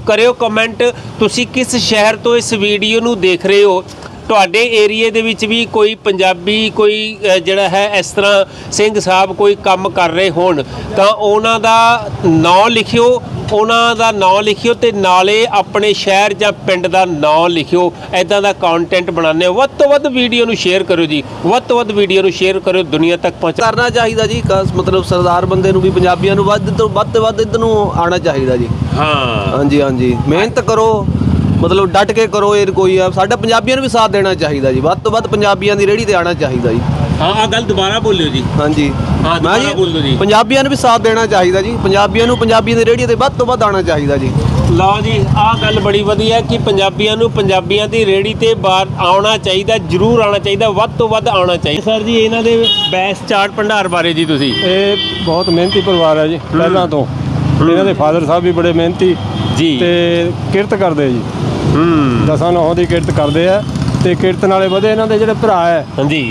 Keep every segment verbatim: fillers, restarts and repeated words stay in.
करियो कमेंट तुसी किस शहर तो इस वीडियो नू देख रहे हो। ਤੁਹਾਡੇ ਏਰੀਏ ਦੇ ਵਿੱਚ ਵੀ ਕੋਈ ਪੰਜਾਬੀ ਕੋਈ ਜਿਹੜਾ ਹੈ ਇਸ ਤਰ੍ਹਾਂ ਸਿੰਘ ਸਾਹਿਬ ਕੋਈ ਕੰਮ ਕਰ ਰਹੇ ਹੋਣ ਤਾਂ ਉਹਨਾਂ ਦਾ ਨਾਂ ਲਿਖਿਓ, ਉਹਨਾਂ ਦਾ ਨਾਂ ਲਿਖਿਓ ਤੇ ਨਾਲੇ ਆਪਣੇ ਸ਼ਹਿਰ ਜਾਂ ਪਿੰਡ ਦਾ ਨਾਂ ਲਿਖਿਓ। ਇੱਦਾਂ ਦਾ ਕੰਟੈਂਟ ਬਣਾਉਂਦੇ ਹੋ, ਵੱਧ ਤੋਂ ਵੱਧ ਵੀਡੀਓ ਨੂੰ ਸ਼ੇਅਰ ਕਰੋ ਜੀ, ਵੱਧ ਤੋਂ ਵੱਧ ਵੀਡੀਓ ਨੂੰ ਸ਼ੇਅਰ ਕਰੋ, ਦੁਨੀਆ ਤੱਕ ਪਹੁੰਚ ਕਰਨਾ ਚਾਹੀਦਾ ਜੀ। ਮਤਲਬ ਸਰਦਾਰ ਬੰਦੇ ਨੂੰ ਵੀ ਪੰਜਾਬੀਆਂ ਨੂੰ ਵੱਧ ਤੋਂ ਵੱਧ ਵੱਧ ਇੱਧਰ ਨੂੰ ਆਉਣਾ ਚਾਹੀਦਾ ਜੀ। ਹਾਂ ਹਾਂਜੀ ਹਾਂਜੀ, ਮਿਹਨਤ ਕਰੋ, मतलब डट के करो। ये कोई है साडा पंजाबियों भी साथ देना चाहिए जी, ਵੱਧ ਤੋਂ ਵੱਧ ਪੰਜਾਬੀਆਂ ਦੀ ਰੇੜੀ ਤੇ ਆਣਾ ਚਾਹੀਦਾ ਜੀ। हाँ आ गल दोबारा बोलियो जी। हाँ जी हाँ दोबारा बोल दो जी। पंजाबियों भी साथ देना चाहिए जी, पंजाबियों ਨੂੰ ਪੰਜਾਬੀਆਂ ਦੀ ਰੇੜੀ ਤੇ ਵੱਧ ਤੋਂ ਵੱਧ ਆਣਾ ਚਾਹੀਦਾ ਜੀ। ਲਓ ਜੀ ਆਹ ਗੱਲ ਬੜੀ ਵਧੀਆ ਕਿ ਪੰਜਾਬੀਆਂ ਨੂੰ ਪੰਜਾਬੀਆਂ ਦੀ ਰੇੜੀ ਤੇ ਬਾਹਰ ਆਉਣਾ ਚਾਹੀਦਾ, ਜ਼ਰੂਰ ਆਉਣਾ ਚਾਹੀਦਾ, ਵੱਧ ਤੋਂ ਵੱਧ ਆਉਣਾ ਚਾਹੀਦਾ। ਸਰ ਜੀ ਇਹਨਾਂ ਦੇ ਬੈਸ ਚਾਟ ਭੰਡਾਰ ਬਾਰੇ ਜੀ ਤੁਸੀਂ। ਇਹ ਬਹੁਤ ਮਿਹਨਤੀ ਪਰਿਵਾਰ ਹੈ ਜੀ ਪਹਿਲਾਂ ਤੋਂ। ਇਹਨਾਂ ਦੇ ਫਾਦਰ ਸਾਹਿਬ ਵੀ ਬੜੇ ਮਿਹਨਤੀ ਜੀ ਤੇ ਕਿਰਤ ਕਰਦੇ ਜੀ। ਹੂੰ ਦਸਾਂ ਨੌਂ ਦੀ ਕਿਰਤ ਕਰਦੇ ਆ ਤੇ ਕਿਰਤ ਨਾਲੇ ਵਧੇ। ਇਹਨਾਂ ਦੇ ਜਿਹੜੇ ਭਰਾ ਹੈ ਹਾਂਜੀ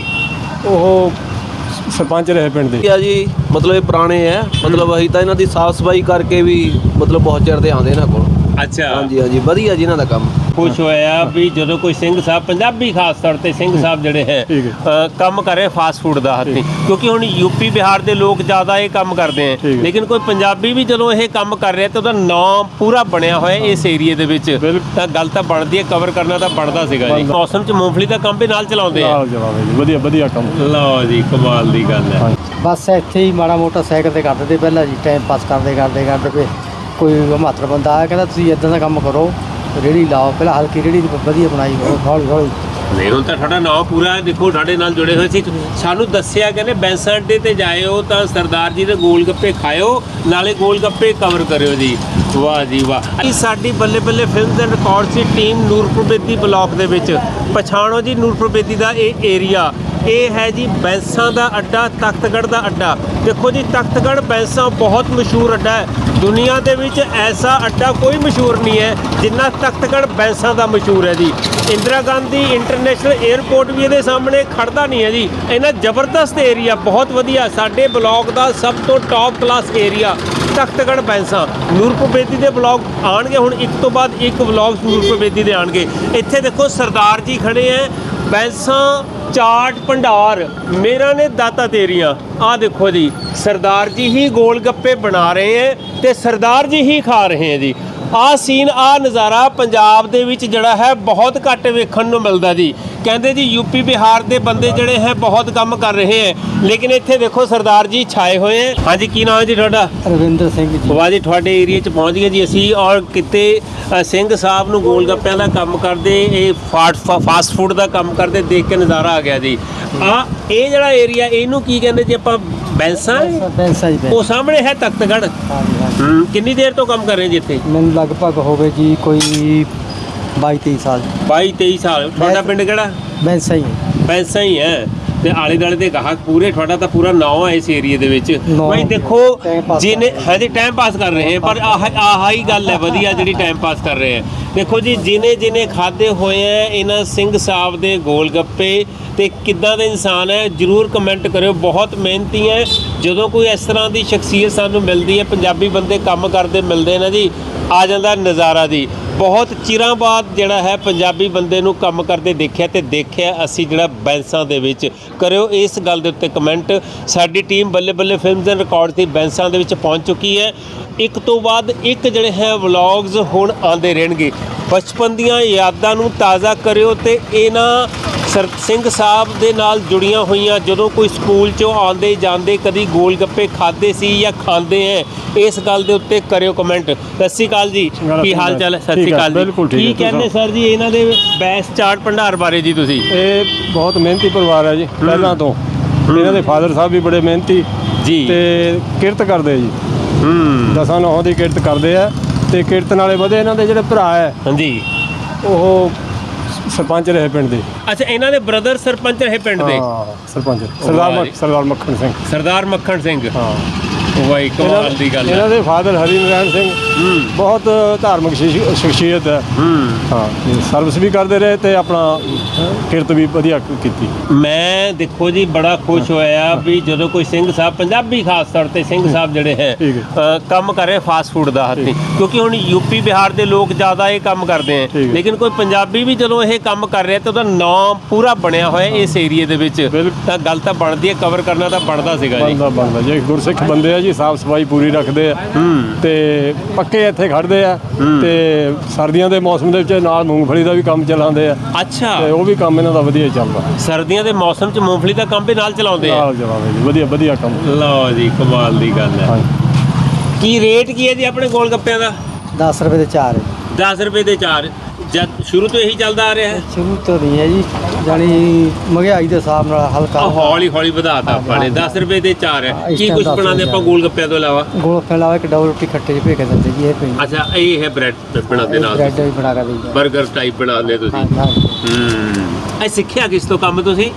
ਉਹ ਸਰਪੰਚ ਰਹੇ ਪਿੰਡ ਦੇ ਜੀ। ਮਤਲਬ ਇਹ ਪੁਰਾਣੇ ਹੈ, ਮਤਲਬ ਅਸੀਂ ਤਾਂ ਇਹਨਾਂ ਦੀ ਸਾਫ ਸਫਾਈ ਕਰਕੇ ਵੀ ਮਤਲਬ ਬਹੁਤ ਚਿਰ ਦੇ ਆਉਂਦੇ ਇਹਨਾਂ ਕੋਲ। ਅੱਛਾ ਹਾਂਜੀ ਹਾਂਜੀ, ਵਧੀਆ ਜੀ ਇਹਨਾਂ ਦਾ ਕੰਮ। खुश होया भी जो कोई सिंह साहब पंजाबी खास तौर पर सिंह साहब जोड़े है काम करे फास्ट फूड का हत्थी, क्योंकि हम यूपी बिहार के लोग ज़्यादा ये काम करते हैं, लेकिन कोई पंजाबी भी जो ये काम कर रहा है तो नाम पूरा बनया हुआ है इस एरिए के विच। तां गल तां बनदी है, कवर करना तो बनता सीगा जी। मौसम च मूंगफली का काम भी नाल चलाउंदे हैं। ਵਧੀਆ ਵਧੀਆ ਕੰਮ। ਲਓ ਜੀ ਕਮਾਲ ਦੀ ਗੱਲ ਹੈ। ਬਸ ਇੱਥੇ ਹੀ ਮਾੜਾ ਮੋਟਾ ਸਾਈਕਲ ਤੇ ਕਰਦੇ ਤੇ ਪਹਿਲਾਂ ਜੀ, ਟਾਈਮ ਪਾਸ ਕਰਦੇ ਕਰਦੇ ਕਰਦੇ ਫਿਰ ਕੋਈ ਮਾਤਰ ਬੰਦਾ ਆਇਆ ਕਹਿੰਦਾ ਤੁਸੀਂ ਇਦਾਂ ਦਾ ਕੰਮ ਕਰੋ, ਰੇਹੜੀ ਲਾਓ। ਪਹਿਲਾਂ ਹਲਕੀ ਰੇਹੜੀ ਵਧੀਆ ਬਣਾਈ, ਹੌਲੀ ਹੌਲੀ ਨਹੀਂ ਹੁਣ ਤਾਂ ਤੁਹਾਡਾ ਨਾਮ ਪੂਰਾ ਦੇਖੋ ਸਾਡੇ ਨਾਲ ਜੁੜੇ ਹੋਏ ਸੀ। ਸਾਨੂੰ ਦੱਸਿਆ ਕਹਿੰਦੇ ਬੈਂਸਾਂ ਅੱਡੇ ਤੇ ਜਾਇਓ ਤਾਂ ਸਰਦਾਰ ਜੀ ਦੇ ਗੋਲ ਗੱਪੇ ਖਾਇਓ, ਨਾਲੇ ਗੋਲ ਗੱਪੇ ਕਵਰ ਕਰਿਓ ਜੀ। ਵਾਹ ਜੀ ਵਾਹ। ਇਹ ਸਾਡੀ Balle Balle films and records ਦੀ ਟੀਮ ਨੂਰਪੁਰ ਬੇਦੀ ਬਲਾਕ ਦੇ ਵਿੱਚ। ਪਛਾਣੋ ਜੀ ਨੂਰਪੁਰ ਬੇਦੀ ਦਾ ਇਹ ਏਰੀਆ, ਇਹ ਹੈ ਜੀ ਬੈਂਸਾਂ ਦਾ ਅੱਡਾ, ਤਖਤਗੜ੍ਹ ਦਾ ਅੱਡਾ। ਦੇਖੋ ਜੀ ਤਖਤਗੜ੍ਹ ਬੈਂਸਾਂ ਬਹੁਤ ਮਸ਼ਹੂਰ ਅੱਡਾ ਹੈ, ਦੁਨੀਆ ਦੇ ਵਿੱਚ ਐਸਾ ਅੱਡਾ ਕੋਈ ਮਸ਼ਹੂਰ ਨਹੀਂ ਹੈ ਜਿੰਨਾ ਤਖਤਗੜ੍ਹ ਬੈਂਸਾਂ ਦਾ ਮਸ਼ਹੂਰ ਹੈ ਜੀ। ਇੰਦਰਾ ਗਾਂਧੀ ਇੰਟਰਨੈਸ਼ਨਲ ਏਅਰਪੋਰਟ ਵੀ ਇਹਦੇ ਸਾਹਮਣੇ ਖੜਦਾ ਨਹੀਂ ਹੈ ਜੀ। ਇੰਨਾ ਜ਼ਬਰਦਸਤ ਏਰੀਆ, ਬਹੁਤ ਵਧੀਆ, ਸਾਡੇ ਬਲਾਕ ਦਾ ਸਭ ਤੋਂ top class area Takhatgarh Bainsan. Nurpur Bedi ਦੇ ਬਲਾਕ ਆਉਣਗੇ ਹੁਣ, ਇੱਕ ਤੋਂ ਬਾਅਦ ਇੱਕ ਬਲਾਕ ਨੂਰਪੁਰ ਬੇਦੀ ਦੇ ਆਉਣਗੇ। ਇੱਥੇ ਦੇਖੋ ਸਰਦਾਰ ਜੀ ਖੜੇ ਹੈ, ਬੈਂਸਾਂ ਚਾਟ ਭੰਡਾਰ ਮੇਰਾ ਨੇ ਦਾਤਾ ਤੇਰੀਆਂ। ਆ ਦੇਖੋ ਜੀ ਸਰਦਾਰ ਜੀ ਹੀ ਗੋਲ ਗੱਪੇ ਬਣਾ ਰਹੇ ਹੈ ਤੇ ਸਰਦਾਰ ਜੀ ਹੀ ਖਾ ਰਹੇ ਹੈ ਜੀ। ਆਹ ਸੀਨ, ਆਹ ਨਜ਼ਾਰਾ ਪੰਜਾਬ ਦੇ ਵਿੱਚ ਜਿਹੜਾ ਹੈ ਬਹੁਤ ਘੱਟ ਵੇਖਣ ਨੂੰ ਮਿਲਦਾ ਜੀ। ਕਹਿੰਦੇ ਜੀ ਯੂਪੀ ਬਿਹਾਰ ਦੇ ਬੰਦੇ ਜਿਹੜੇ ਹੈ ਬਹੁਤ ਕੰਮ ਕਰ ਰਹੇ ਹੈ, ਲੇਕਿਨ ਇੱਥੇ ਦੇਖੋ ਸਰਦਾਰ ਜੀ ਛਾਏ ਹੋਏ ਹੈ। ਹਾਂਜੀ ਕੀ ਨਾਮ ਹੈ ਜੀ ਤੁਹਾਡਾ? ਰਵਿੰਦਰ ਸਿੰਘ ਜੀ। ਵਾਹ ਜੀ, ਤੁਹਾਡੇ ਏਰੀਏ 'ਚ ਪਹੁੰਚ ਗਏ ਜੀ ਅਸੀਂ। ਔਰ ਕਿਤੇ ਸਿੰਘ ਸਾਹਿਬ ਨੂੰ ਗੋਲ ਗੱਪਿਆਂ ਦਾ ਕੰਮ ਕਰਦੇ, ਇਹ ਫਾਸਟ ਫੂਡ ਦਾ ਕੰਮ ਕਰਦੇ ਦੇਖ ਕੇ ਨਜ਼ਾਰਾ ਆ ਗਿਆ ਜੀ। ਆ ਇਹ ਜਿਹੜਾ ਏਰੀਆ ਇਹਨੂੰ ਕੀ ਕਹਿੰਦੇ ਜੀ ਆਪਾਂ? ਬੈਂਸਾਂ। ਬੈਂਸਾਂ ਜੀ। ਉਹ ਸਾਹਮਣੇ ਹੈ ਤਖਤਗੜ੍ਹ। ਹੂੰ ਕਿੰਨੀ ਦੇਰ ਤੋਂ ਕੰਮ ਕਰ ਰਹੇ ਜੀ ਇੱਥੇ? ਮੈਨੂੰ ਲਗਭਗ ਹੋਵੇ ਜੀ ਕੋਈ ਬਾਈ ਤੇਈ ਸਾਲ। ਬਾਈ ਤੇਈ ਸਾਲ। ਤੁਹਾਡਾ ਪਿੰਡ ਕਿਹੜਾ? ਬੈਂਸਾਂ ਹੀ। ਬੈਂਸਾਂ ਹੀ ਹੈ ਤੇ ਆਲੇ ਦੁਆਲੇ ਦੇ ਗਾਹਕ ਪੂਰੇ, ਤੁਹਾਡਾ ਤਾਂ ਪੂਰਾ ਨਾਂ ਹੈ ਇਸ ਏਰੀਏ ਦੇ ਵਿੱਚ। ਭਾਈ ਦੇਖੋ ਜਿਹਨੇ ਹਜੇ ਟਾਈਮ ਪਾਸ ਕਰ ਰਹੇ ਹੈ, ਪਰ ਆਹ ਆਹ ਹੀ ਗੱਲ ਹੈ ਵਧੀਆ ਜਿਹੜੀ ਟਾਈਮ ਪਾਸ ਕਰ ਰਹੇ ਹੈ। ਦੇਖੋ ਜੀ ਜਿਹਨੇ ਜਿਹਨੇ ਖਾਦੇ ਹੋਏ ਹੈ ਇਹਨਾਂ ਸਿੰਘ ਸਾਹਿਬ ਦੇ ਗੋਲ ਗੱਪੇ ਤੇ ਕਿੱਦਾਂ ਦੇ ਇਨਸਾਨ ਹੈ, ਜ਼ਰੂਰ ਕਮੈਂਟ ਕਰਿਓ। ਬਹੁਤ ਮਿਹਨਤੀ ਹੈ। ਜਦੋਂ ਕੋਈ ਇਸ ਤਰ੍ਹਾਂ ਦੀ ਸ਼ਖਸੀਅਤ ਸਾਨੂੰ ਮਿਲਦੀ ਹੈ, ਪੰਜਾਬੀ ਬੰਦੇ ਕੰਮ ਕਰਦੇ ਮਿਲਦੇ ਨਾ ਜੀ, ਆ ਜਾਂਦਾ ਨਜ਼ਾਰਾ ਜੀ। ਬਹੁਤ ਚਿਰਾਂ ਬਾਅਦ ਜਿਹੜਾ ਹੈ ਪੰਜਾਬੀ ਬੰਦੇ ਨੂੰ ਕੰਮ ਕਰਦੇ ਦੇਖਿਆ ਤੇ ਦੇਖਿਆ ਅਸੀਂ ਜਿਹੜਾ ਬੈਂਸਾਂ ਦੇ ਵਿੱਚ। ਕਰਿਓ ਇਸ ਗੱਲ ਦੇ ਉੱਤੇ ਕਮੈਂਟ। ਸਾਡੀ team Balle Balle films and record ਦੀ ਬੈਂਸਾਂ ਦੇ ਵਿੱਚ ਪਹੁੰਚ ਚੁੱਕੀ ਹੈ। ਇੱਕ ਤੋਂ ਬਾਅਦ ਇੱਕ ਜਿਹੜੇ ਹੈ ਵਲੌਗਸ ਹੁਣ ਆਉਂਦੇ ਰਹਿਣਗੇ। ਬਚਪਨ ਦੀਆਂ ਯਾਦਾਂ ਨੂੰ ਤਾਜ਼ਾ ਕਰਿਓ ਤੇ ਇਹਨਾਂ ਸਰ ਸਿੰਘ ਸਾਹਿਬ ਦੇ ਨਾਲ ਜੁੜੀਆਂ ਹੋਈਆਂ ਜਦੋਂ ਕੋਈ ਸਕੂਲ 'ਚੋਂ ਆਉਂਦੇ ਜਾਂਦੇ ਕਦੀ ਗੋਲ ਗੱਪੇ ਖਾਦੇ ਸੀ ਜਾਂ ਖਾਂਦੇ ਹੈ, ਇਸ ਗੱਲ ਦੇ ਉੱਤੇ ਕਰਿਓ ਕਮੈਂਟ। ਸਤਿ ਸ਼੍ਰੀ ਅਕਾਲ ਜੀ, ਕੀ ਹਾਲ ਚਾਲ ਹੈ? ਸਤਿ ਸ਼੍ਰੀ ਅਕਾਲ ਜੀ। ਕੀ ਕਹਿੰਦੇ ਸਰ ਜੀ ਇਹਨਾਂ ਦੇ ਬੈਸ ਚਾਟ ਭੰਡਾਰ ਬਾਰੇ ਜੀ ਤੁਸੀਂ? ਇਹ ਬਹੁਤ ਮਿਹਨਤੀ ਪਰਿਵਾਰ ਹੈ ਜੀ ਪਹਿਲਾਂ ਤੋਂ। ਇਹਨਾਂ ਦੇ ਫਾਦਰ ਸਾਹਿਬ ਵੀ ਬੜੇ ਮਿਹਨਤੀ ਜੀ ਤੇ ਕਿਰਤ ਕਰਦੇ ਜੀ। ਹੂੰ ਦਸਾਂ ਨੌਂ ਦੀ ਕਿਰਤ ਕਰਦੇ ਆ ਤੇ ਕਿਰਤ ਨਾਲੇ ਵਧੇ। ਇਹਨਾਂ ਦੇ ਜਿਹੜੇ ਭਰਾ ਹੈ ਹਾਂਜੀ ਉਹ ਸਰਪੰਚ ਰਹੇ ਪਿੰਡ ਦੇ। ਅੱਛਾ ਇਹਨਾਂ ਦੇ ਬ੍ਰਦਰ ਸਰਪੰਚ ਰਹੇ ਪਿੰਡ ਦੇ? ਹਾਂ ਸਰਪੰਚ ਸਰਦਾਰ ਸਰਦਾਰ ਮੱਖਣ ਸਿੰਘ। ਸਰਦਾਰ ਮੱਖਣ ਸਿੰਘ। ਹਾਂ ਵਾਈ ਕਮਾਲ ਦੀ ਗੱਲ ਇਹਨਾਂ ਹੈ। ਦੇ ਫਾਦਰ ਹਰੀ ਨਾਰਾਇਣ ਸਿੰਘ ਹੂੰ ਬਹੁਤ ਧਾਰਮਿਕ ਸ਼ਖਸੀ- ਸ਼ਖਸੀਅਤ ਹੈ। ਹੂੰ ਹਾਂ ਤੇ ਸਰਵਿਸ ਵੀ ਕਰਦੇ ਰਹੇ ਤੇ ਆਪਣਾ ਕਿਰਤ ਵੀ ਵਧੀਆ ਕੀਤੀ। ਮੈਂ ਦੇਖੋ ਜੀ ਬੜਾ ਖੁਸ਼ ਹੋਇਆ ਵੀ ਜਦੋਂ ਕੋਈ ਸਿੰਘ ਸਾਹਿਬ ਪੰਜਾਬੀ ਖਾਸ ਤੌਰ ਤੇ ਸਿੰਘ ਸਾਹਿਬ ਜਿਹੜੇ ਹੈ ਠੀਕ ਅ, ਕੰਮ ਕਰ ਰਹੇ ਫਾਸਟ ਫੂਡ ਦਾ ਹੱਥੀਂ, ਕਿਉਂਕਿ ਹੁਣ ਯੂਪੀ ਬਿਹਾਰ ਦੇ ਲੋਕ ਜ਼ਿਆਦਾ ਇਹ ਕੰਮ ਕਰਦੇ ਹੈ, ਠੀਕ ਹੈ। ਲੇਕਿਨ ਕੋਈ ਪੰਜਾਬੀ ਵੀ ਜਦੋਂ ਇਹ ਕੰਮ ਕਰ ਰਿਹਾ ਤਾਂ ਉਹਦਾ ਨਾਂ ਪੂਰਾ ਬਣਿਆ ਹੋਇਆ ਇਸ ਏਰੀਏ ਦੇ ਵਿੱਚ, ਬਿਲਕੁਲ। ਤਾਂ ਗੱਲ ਤਾਂ ਬਣਦੀ ਹੈ, ਕਵਰ ਕਰਨਾ ਤਾਂ ਬਣਦਾ ਸੀਗਾ ਜੀ। ਬਣਦਾ ਬਣਦਾ ਜੇ ਗੁਰਸਿੱਖ ਬੰਦੇ ਆ ਜੀ ਸਾਫ ਸਫਾਈ ਪੂਰੀ ਰੱਖਦੇ ਆ ਹੂੰ ਤੇ ਪੱਕੇ ਇੱਥੇ ਖੜਦੇ ਆ ਹੂੰ। ਤੇ ਸਰਦੀਆਂ ਦੇ ਮੌਸਮ ਦੇ ਵਿੱਚ ਨਾਲ ਮੂੰਗਫਲੀ ਦਾ ਵੀ ਕੰਮ ਚਲਾਉਂਦੇ ਆ ਅੱਛਾ, ਤੇ ਉਹ ਵੀ ਕੰਮ ਇਹਨਾਂ ਦਾ ਵਧੀਆ ਹੀ ਚੱਲਦਾ। ਸਰਦੀਆਂ ਦੇ ਮੌਸਮ 'ਚ ਮੂੰਗਫਲੀ ਦਾ ਕੰਮ ਵੀ ਨਾਲ ਚਲਾਉਂਦੇ ਆ। ਨਾਲ ਚਲਾਉਂਦੇ ਜੀ ਵਧੀਆ ਵਧੀਆ ਕੰਮ। ਲਓ ਜੀ ਕਮਾਲ ਦੀ ਗੱਲ ਹੈ। ਹਾਂਜੀ ਕੀ ਰੇਟ ਕੀ ਹੈ ਜੀ ਆਪਣੇ ਗੋਲ ਗੱਪਿਆਂ ਦਾ? ਦਸ ਰੁਪਏ ਦੇ ਚਾਰ ਹੈ। ਦਸ ਰੁਪਏ ਦੇ ਚਾਰ, ਜਦ ਸ਼ੁਰੂ ਤੋਂ ਇਹੀ ਚੱਲਦਾ ਆ ਰਿਹਾ ਹੈ। ਸ਼ੁਰੂ ਤੋਂ ਨਹੀਂ ਹੈ ਜੀ, ਜਾਣੀ ਮਹਿੰਗਾਈ ਦੇ ਹਿਸਾਬ ਨਾਲ ਹਲਕਾ ਆ ਹੌਲੀ ਹੌਲੀ ਵਧਾਤਾ ਆਪਾਂ ਨੇ। ਦਸ ਰੁਪਏ ਦੇ ਚਾਰ ਹੈ। ਹਾਂ, ਇਸ ਕੀ time ਕੁਝ ਦਸ ਬਣਾਉਂਦੇ ਰੁਪਏ ਆਪਾਂ ਗੋਲ ਗੱਪਿਆਂ ਤੋਂ ਇਲਾਵਾ? ਗੋਲ ਫੈਲਾਵਾ ਇੱਕ ਡਬਲ ਰੋਟੀ ਖੱਟੇ ਚ ਭੇ ਕੇ ਦਿੰਦੇ ਜੀ, ਇਹ ਪਈ ਅੱਛਾ, ਇਹ ਹੈ ਬ੍ਰੈਡ ਬਣਾਉਂਦੇ ਨਾਲ, ਬ੍ਰੈਡ ਵੀ ਬਣਾ ਕੇ ਦਿੰਦੇ। 버ਗਰ ਟਾਈਪ ਬਣਾਉਂਦੇ ਤੁਸੀਂ। ਹਾਂ ਹਾਂ ਹੂੰ ਇਹ ਸਿੱਖਿਆ ਕਿਸ ਤੋਂ ਕੰਮ ਤੁਸੀਂ?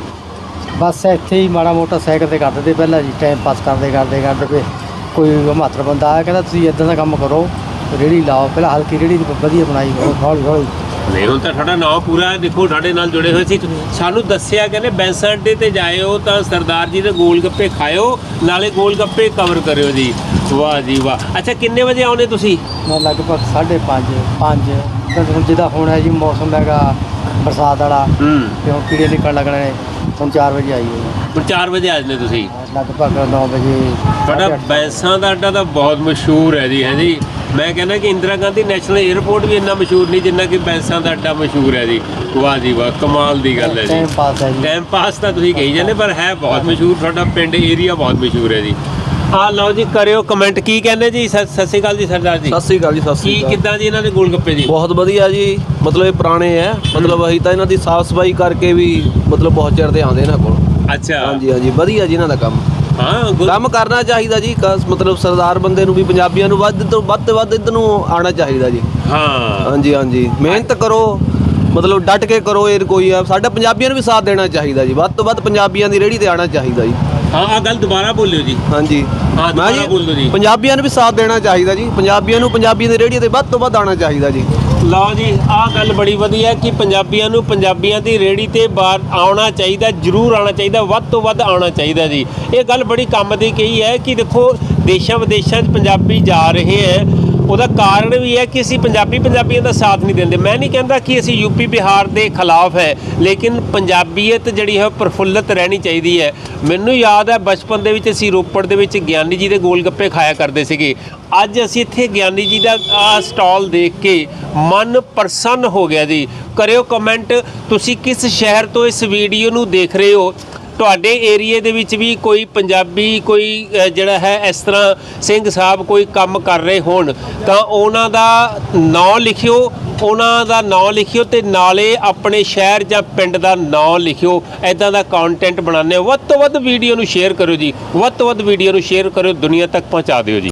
ਬਸ ਇੱਥੇ ਹੀ ਮਾੜਾ ਮੋਟਾ ਸਾਈਕਲ ਤੇ ਕਰਦੇ ਤੇ ਪਹਿਲਾਂ ਜੀ, ਟਾਈਮ ਪਾਸ ਕਰਦੇ ਕਰਦੇ ਕਰਦੇ ਫਿਰ ਕੋਈ ਮਾਤਰ ਬੰਦਾ ਆਇਆ ਕਹਿੰਦਾ ਤੁਸੀਂ ਇਦਾਂ ਦਾ ਕੰਮ ਕਰੋ, ਰੇਹੜੀ ਲਾਓ। ਪਹਿਲਾਂ ਹਲਕੀ ਰੇਹੜੀ ਦੀ ਵਧੀਆ ਬਣਾਈ, ਹੌਲੀ ਹੌਲੀ ਨਹੀਂ ਹੁਣ ਤਾਂ ਤੁਹਾਡਾ ਨਾਮ ਪੂਰਾ ਹੈ, ਦੇਖੋ ਸਾਡੇ ਨਾਲ ਜੁੜੇ ਹੋਏ ਸੀ। ਸਾਨੂੰ ਦੱਸਿਆ ਕਹਿੰਦੇ ਬੈਂਸਾ ਅੱਡੇ ਤੇ ਜਾਇਓ ਤਾਂ ਸਰਦਾਰ ਜੀ ਦੇ ਗੋਲ ਗੱਪੇ ਖਾਇਓ, ਨਾਲੇ ਗੋਲ ਗੱਪੇ ਕਵਰ ਕਰਿਓ ਜੀ। ਵਾਹ ਜੀ ਵਾਹ। ਅੱਛਾ ਕਿੰਨੇ ਵਜੇ ਆਉਨੇ ਤੁਸੀਂ? ਮੈਂ ਲਗਭਗ ਸਾਢੇ ਪੰਜ ਪੰਜ ਤਾਂ ਹੁਣ ਜਿੱਦਾਂ ਹੁਣ ਹੈ ਜੀ ਮੌਸਮ ਹੈਗਾ ਬਰਸਾਤ ਵਾਲਾ, ਹੂੰ ਤੇ ਹੁਣ ਕੀੜੇ ਨਿਕਲਣ ਲੱਗਣੇ ਨੇ। ਹੁਣ ਚਾਰ ਵਜੇ ਆਈ ਹੈ ਹੁਣ ਚਾਰ ਵਜੇ ਆ ਜਾਂਦੇ ਤੁਸੀਂ। ਲਗਭਗ ਨੌ ਵਜੇ। ਤੁਹਾਡਾ ਸਾਢੇ ਅੱਠ। ਬੈਂਸਾਂ ਦਾ ਅੱਡਾ ਤਾਂ ਬਹੁਤ ਮਸ਼ਹੂਰ ਹੈ ਜੀ, ਹੈ ਜੀ। ਮੈਂ ਕਹਿੰਦਾ ਕਿ ਇੰਦਰਾ ਗਾਂਧੀ ਨੈਸ਼ਨਲ 에ਅਰਪੋਰਟ ਵੀ ਇੰਨਾ ਮਸ਼ਹੂਰ ਨਹੀਂ ਜਿੰਨਾ ਕਿ ਬੈਂਸਾਂ ਦਾ ਅੱਡਾ ਮਸ਼ਹੂਰ ਹੈ ਜੀ। ਵਾਹ ਜੀ ਵਾਹ, ਕਮਾਲ ਦੀ ਗੱਲ ਹੈ ਜੀ। ਟਾਈਮ ਪਾਸ ਹੈ ਜੀ। ਟਾਈਮ ਪਾਸ ਤਾਂ ਤੁਸੀਂ ਕਹੀ ਜਾਂਦੇ, ਪਰ ਹੈ ਬਹੁਤ ਮਸ਼ਹੂਰ। ਤੁਹਾਡਾ ਪਿੰਡ ਏਰੀਆ ਬਹੁਤ ਮਸ਼ਹੂਰ ਹੈ ਜੀ। ਆ ਲਓ ਜੀ, ਕਰਿਓ ਕਮੈਂਟ ਕੀ ਕਹਿੰਦੇ ਜੀ। ਸਤਿ ਸਤਿ ਸ਼੍ਰੀ ਅਕਾਲ ਜੀ ਸਰਦਾਰ ਜੀ। ਸਤਿ ਸ੍ਰੀ ਅਕਾਲ ਜੀ। ਸਤਿ ਕੀ ਸ੍ਰੀ ਅਕਾਲ। ਕਿੱਦਾਂ ਜੀ ਇਹਨਾਂ ਦੇ ਗੋਲ ਗੱਪੇ ਜੀ? ਬਹੁਤ ਵਧੀਆ ਜੀ, ਮਤਲਬ ਇਹ ਪੁਰਾਣੇ ਹੈ, ਮਤਲਬ ਅਸੀਂ ਤਾਂ ਇਹਨਾਂ ਦੀ ਸਾਫ ਸਫਾਈ ਕਰਕੇ ਵੀ ਮਤਲਬ ਬਹੁਤ ਚਿਰ ਦੇ ਆਉਂਦੇ ਇਹਨਾਂ ਕੋਲ। ਅੱਛਾ ਹਾਂਜੀ ਹਾਂਜੀ ਵਧੀਆ ਜੀ ਇਹਨਾਂ ਦਾ ਕੰਮ। ਹਾਂ ਗੁ- ਕੰਮ ਕਰਨਾ ਚਾਹੀਦਾ ਜੀ, ਕਸ- ਮਤਲਬ ਸਰਦਾਰ ਬੰਦੇ ਨੂੰ ਵੀ ਪੰਜਾਬੀਆਂ ਨੂੰ ਵੱਧ ਤੋਂ ਵੱਧ ਤੋਂ ਵੱਧ ਇੱਧਰ ਨੂੰ ਆਉਣਾ ਚਾਹੀਦਾ ਜੀ। ਹਾਂ ਹਾਂਜੀ ਹਾਂਜੀ ਮਿਹਨਤ ਕਰੋ, ਮਤਲਬ ਡਟ ਕੇ ਕਰੋ। ਇਹ ਕੋਈ ਆ ਸਾਡਾ ਪੰਜਾਬੀਆਂ ਨੂੰ ਵੀ ਸਾਥ ਦੇਣਾ ਚਾਹੀਦਾ ਜੀ, ਵੱਧ ਤੋਂ ਵੱਧ ਪੰਜਾਬੀਆਂ ਦੀ ਰੇਹੜੀ ਤੇ ਆਉਣਾ ਚਾਹੀਦਾ ਜੀ। ਹਾਂ ਆ ਗੱਲ ਦੁਬਾਰਾ ਬੋਲਿਓ ਜੀ। ਹਾਂਜੀ ਹਾਂ ਮੈਂ ਦੁਬਾਰਾ ਬੋਲੋ ਜੀ। ਪੰਜਾਬੀਆਂ ਨੂੰ ਵੀ ਸਾਥ ਦੇਣਾ ਚਾਹੀਦਾ ਜੀ, ਪੰਜਾਬੀਆਂ ਨੂੰ ਪੰਜਾਬੀਆਂ ਦੀ ਰੇਹੜੀ ਤੇ ਵੱਧ ਤੋਂ ਵੱਧ ਆਉਣਾ ਚਾਹੀਦਾ ਜੀ। ਲਓ ਜੀ, ਆਹ ਗੱਲ ਬੜੀ ਵਧੀਆ ਕਿ ਪੰਜਾਬੀਆਂ ਨੂੰ ਪੰਜਾਬੀਆਂ ਦੀ ਰੇਹੜੀ ਤੇ ਬਾਹਰ ਆਉਣਾ ਚਾਹੀਦਾ, ਜ਼ਰੂਰ ਆਉਣਾ ਚਾਹੀਦਾ, ਵੱਧ ਤੋਂ ਵੱਧ ਆਉਣਾ ਚਾਹੀਦਾ ਜੀ। ਇਹ ਗੱਲ ਬੜੀ ਕੰਮ ਦੀ ਕਹੀ ਹੈ ਕਿ ਦੇਖੋ ਦੇਸ਼ਾਂ ਵਿਦੇਸ਼ਾਂ 'ਚ ਪੰਜਾਬੀ ਜਾ ਰਹੇ ਹੈ, ਉਹਦਾ ਕਾਰਨ ਵੀ ਹੈ ਕਿ ਅਸੀਂ ਪੰਜਾਬੀ ਪੰਜਾਬੀਆਂ ਦਾ ਸਾਥ ਨਹੀਂ ਦਿੰਦੇ। ਮੈਂ ਨਹੀਂ ਕਹਿੰਦਾ ਕਿ ਅਸੀਂ ਯੂਪੀ ਬਿਹਾਰ ਦੇ ਖਿਲਾਫ ਹੈ, ਲੇਕਿਨ ਪੰਜਾਬੀਅਤ ਜਿਹੜੀ ਹੈ ਪ੍ਰਫੁੱਲਤ ਰਹਿਣੀ ਚਾਹੀਦੀ ਹੈ। ਮੈਨੂੰ ਯਾਦ ਹੈ ਬਚਪਨ ਦੇ ਵਿੱਚ ਅਸੀਂ ਰੋਪੜ ਦੇ ਵਿੱਚ ਗਿਆਨੀ ਜੀ ਦੇ ਗੋਲ ਗੱਪੇ ਖਾਇਆ ਕਰਦੇ ਸੀਗੇ। ਅੱਜ ਅਸੀਂ ਇੱਥੇ ਗਿਆਨੀ ਜੀ ਦਾ ਆਹ ਸਟਾਲ ਦੇਖ ਕੇ ਮਨ ਪ੍ਰਸੰਨ ਹੋ ਗਿਆ ਜੀ। ਕਰਿਓ ਕਮੈਂਟ ਤੁਸੀਂ ਕਿਸ ਸ਼ਹਿਰ ਤੋਂ ਇਸ ਵੀਡੀਓ ਨੂੰ ਦੇਖ ਰਹੇ ਹੋ। ਤੁਹਾਡੇ ਏਰੀਏ ਦੇ ਵਿੱਚ ਵੀ ਕੋਈ ਪੰਜਾਬੀ ਕੋਈ ਅ, ਜਿਹੜਾ ਹੈ ਇਸ ਤਰ੍ਹਾਂ ਸਿੰਘ ਸਾਹਿਬ ਕੋਈ ਕੰਮ ਕਰ ਰਹੇ ਹੋਣ ਤਾਂ ਉਹਨਾਂ ਦਾ ਨਾਂ ਲਿਖਿਓ, ਉਹਨਾਂ ਦਾ ਨਾਂ ਲਿਖਿਓ ਤੇ ਨਾਲੇ ਆਪਣੇ ਸ਼ਹਿਰ ਜਾਂ ਪਿੰਡ ਦਾ ਨਾਂ ਲਿਖਿਓ। ਐਦਾਂ ਦਾ ਕੰਟੈਂਟ ਬਣਾਉਂਦੇ ਹੋ, ਵੱਧ ਤੋਂ ਵੱਧ ਵੀਡੀਓ ਨੂੰ ਸ਼ੇਅਰ ਕਰੋ ਜੀ, ਵੱਧ ਤੋਂ ਵੱਧ ਵੀਡੀਓ ਨੂੰ ਸ਼ੇਅਰ ਕਰੋ, ਦੁਨੀਆ ਤੱਕ ਪਹੁੰਚਾ ਦਿਓ ਜੀ।